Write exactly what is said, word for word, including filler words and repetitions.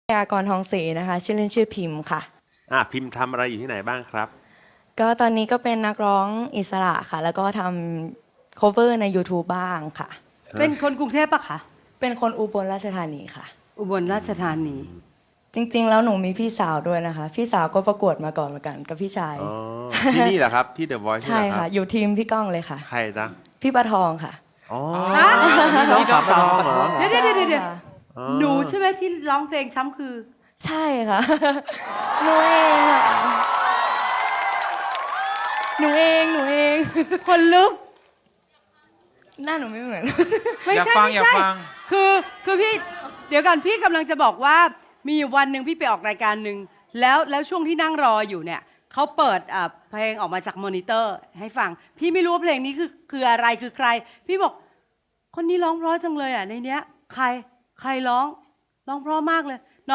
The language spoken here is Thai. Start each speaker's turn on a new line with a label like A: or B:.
A: ยากรทองศรีนะคะชื่อเล่นชื่อพิมพ์ค่ะ
B: อ่ะพิมพ์ทำอะไรอยู่ที่ไหนบ้างครับ
A: ก็ตอนนี้ก็เป็นนักร้องอิสระค่ะ แล้วก็ทำ cover ใน YouTube บ้างค่ะ
C: เป็นคนกรุงเทพปะคะ
A: เป็นคนอุบลราชธานีค่ะ
C: อุบลราชธานี
A: จริงๆแล้วหนูมีพี่สาวด้วยนะคะ พี่สาวก็ประกวดมาก่อนเหมือนกันกับพี่ชาย
B: อ๋อที่นี่เหรอครับที่เดอะวอยซ์
A: ใช่
B: นี่เหรอค
A: ค่ะ
B: รับ
A: อยู่ทีมพี่ก้องเลยค่ะ
B: ใครจ๊ะ
A: พี่ประทองค่ะ
B: อ๋อ
C: ฮะ
B: นี่น้องสาวปะทองเหรอ
C: เดี๋ยวเดี๋ยวเดี๋ยวเดี๋ยว
A: ค่ะ
B: อ๋อ
C: หนูใช่ไหมที่ร้องเพลงช้ำคือ
A: ใช่ค่ะ หนูเองค่ะหนูเองหนูเอง
C: คนลุก
A: หน้าหนูไม่เหมือน
C: ไม่
D: อยาก
C: ใช่
D: ฟัง
C: ไม่
D: อยาก
C: ใช่
D: ฟัง
C: คือคือพี่เดี๋ยวก่อนพี่กำลังจะบอกว่ามีอยู่วันหนึ่งพี่ไปออกรายการหนึ่งแล้วแล้วช่วงที่นั่งรออยู่เนี่ยเขาเปิดอ่าเพลงออกมาจากมอนิเตอร์ให้ฟัง พี่ไม่รู้ว่าเพลงนี้คือคืออะไรคือใคร พี่บอก คนนี้ร้องเพราะจังเลยอ่ะในเนี้ย ใครใครร้องร้องเพราะมากเลย